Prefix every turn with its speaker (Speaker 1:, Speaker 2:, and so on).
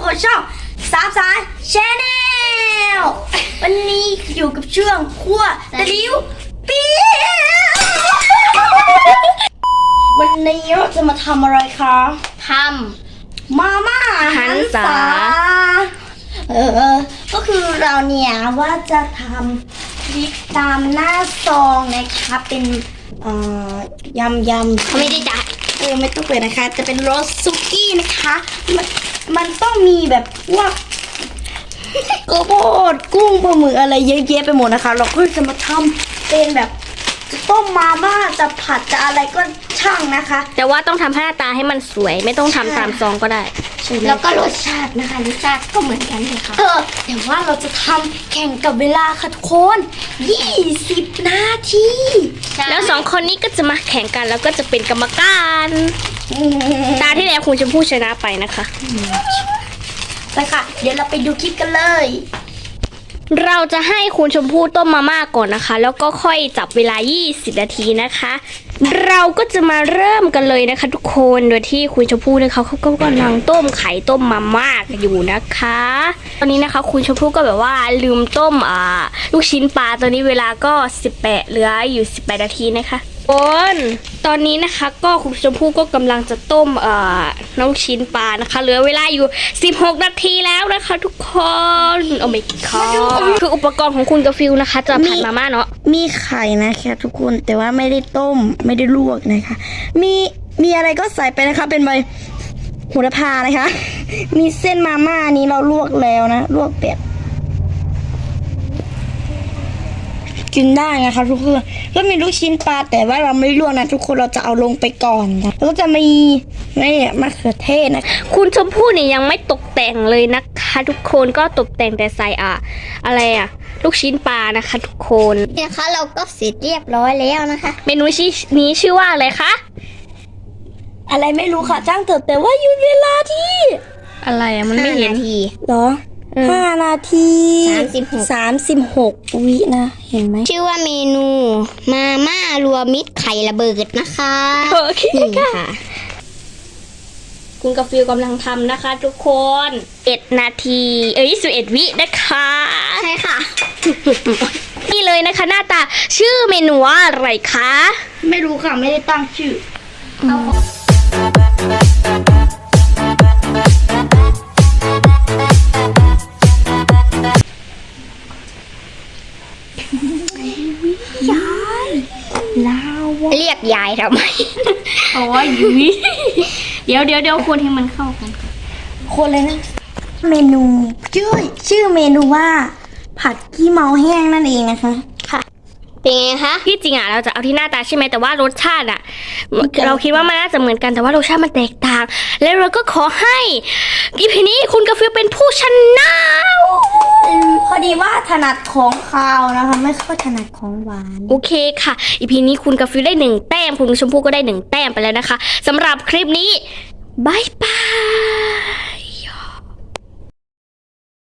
Speaker 1: กับช่องสามสายแชนแนลวันนี้อยู่กับช่วงคั่วตะลิ้วปีวันนี้เราจะมาทำอะไรคะ
Speaker 2: ท
Speaker 1: มาม่าหันษาก็คือเราเนี่ยว่าจะทำพริกตามหน้าซองนะคะเป็นยำ
Speaker 2: เขาไม่ได้จ่าย
Speaker 1: ไม่ต้องเปิดนะคะจะเป็นโรสซุกี้นะคะมันต้องมีแบบพวกข้าวโพดกุ้งปลาหมึกอะไรเยอะแยะไปหมดนะคะเราก็จะมาทำเป็นแบบจะต้มมาม่าจะผัดจะอะไรก็ช่างนะคะ
Speaker 2: แต่ว่าต้องทำหน้าตาให้มันสวยไม่ต้องทำตามซองก็ได้
Speaker 1: แล้วก็รสชาตินะคะรสชาติก็เหมือนกันเลยค่ะแต่ว่าเราจะทำแข่งกับเวลาค่ะทุกคน20 นาที
Speaker 2: แล้ว2 คนนี้ก็จะมาแข่งกันแล้วก็จะเป็นกรรมการตาที่แล้วคุณชมพู่ชนะไปนะคะ
Speaker 1: ไปค่ะเดี๋ยวเราไปดูคลิปกันเลย
Speaker 2: เราจะให้คุณชมพู่ต้มมาม่าก่อนนะคะแล้วก็ค่อยจับเวลา20 นาทีนะคะเราก็จะมาเริ่มกันเลยนะคะทุกคนโดยที่คุณชมพู่นะคะเขาก็กำลังต้มไข่ต้มมาม่ากันอยู่นะคะตอนนี้นะคะคุณชมพู่ก็แบบว่าลืมต้มลูกชิ้นปลาตอนนี้เวลาก็เหลืออยู่18 นาทีนะคะตอนนี้นะคะก็คุณชมพู่ก็กำลังจะต้มน้องชิ้นปลานะคะเหลือเวลาอยู่16 นาทีแล้วนะคะทุกคนโอ้ my god คืออุปกรณ์ของคุณกาฟิลนะคะจะผัดมาม่าเนาะ
Speaker 1: มีไข่นะคะทุกคนแต่ว่าไม่ได้ต้มไม่ได้ลวกนะคะมีอะไรก็ใส่ไปนะคะเป็นใบโหระพานะคะมีเส้นมาม่านี้เราลวกแล้วนะลวกแบบกินได้นะคะทุกคนก็มีลูกชิ้นปลาแต่ว่าเราไม่ลวกนะทุกคนเราจะเอาลงไปก่อนนะแล้วก็จะมีนี่มะเขือเทศนะ
Speaker 2: คุณชมพู่เนี่ยยังไม่ตกแต่งเลยนะคะทุกคนก็ตกแต่งแต่ใส่อะไรลูกชิ้นปลานะคะทุกคน
Speaker 1: เนี่ยค่ะเราก็เสร็จเรียบร้อยแล้วนะคะ
Speaker 2: เมนูนี้ชื่อว่าอะไรคะ
Speaker 1: อะไรไม่รู้ค่ะจ้างเถอะแต่ว่าหยุดเวลาที่
Speaker 2: อะไรมันไม่เห็น
Speaker 1: เหรอ5 นาที36 วินะเห็นไหม
Speaker 2: ชื่อว่าเมนูมาม่ารวมมิตรไข่ระเบิดนะคะ
Speaker 1: โอเคค่ะ
Speaker 2: คุณกาฟิลกำลังทำนะคะทุกคน1 นาที21 วินะคะ
Speaker 1: ใช่ค่ะ
Speaker 2: นี่เลยนะคะหน้าตาชื่อเมนูว่าอะไรคะ
Speaker 1: ไม่รู้ค่ะไม่ได้ตั้งชื่อ
Speaker 2: ยายลาวเรียกยายทำไม
Speaker 1: โอ้ยยุ้ย
Speaker 2: เดี๋ยวคนให้มันเข้ากัน
Speaker 1: คนเลยนะเมนูชื่อเมนูว่าผัดขี้เมาแห้งนั่นเองนะคะ
Speaker 2: ค่ะเป็นไงคะที่จริงเราจะเอาที่หน้าตาใช่ไหมแต่ว่ารสชาติเราคิดว่ามันน่าจะเหมือนกันแต่ว่ารสชาติมันแตกต่างแล้วเราก็ขอให้EPนี้คุณกาฟิลเป็นผู้ชนะ
Speaker 1: พอดีว่าถนัดของคาวนะคะไม่ค่อยถนัดของหวาน
Speaker 2: โอเคค่ะEPนี้คุณกาฟิลได้1 แต้มคุณชมพู่ก็ได้1 แต้มไปแล้วนะคะสำหรับคลิปนี้บายบาย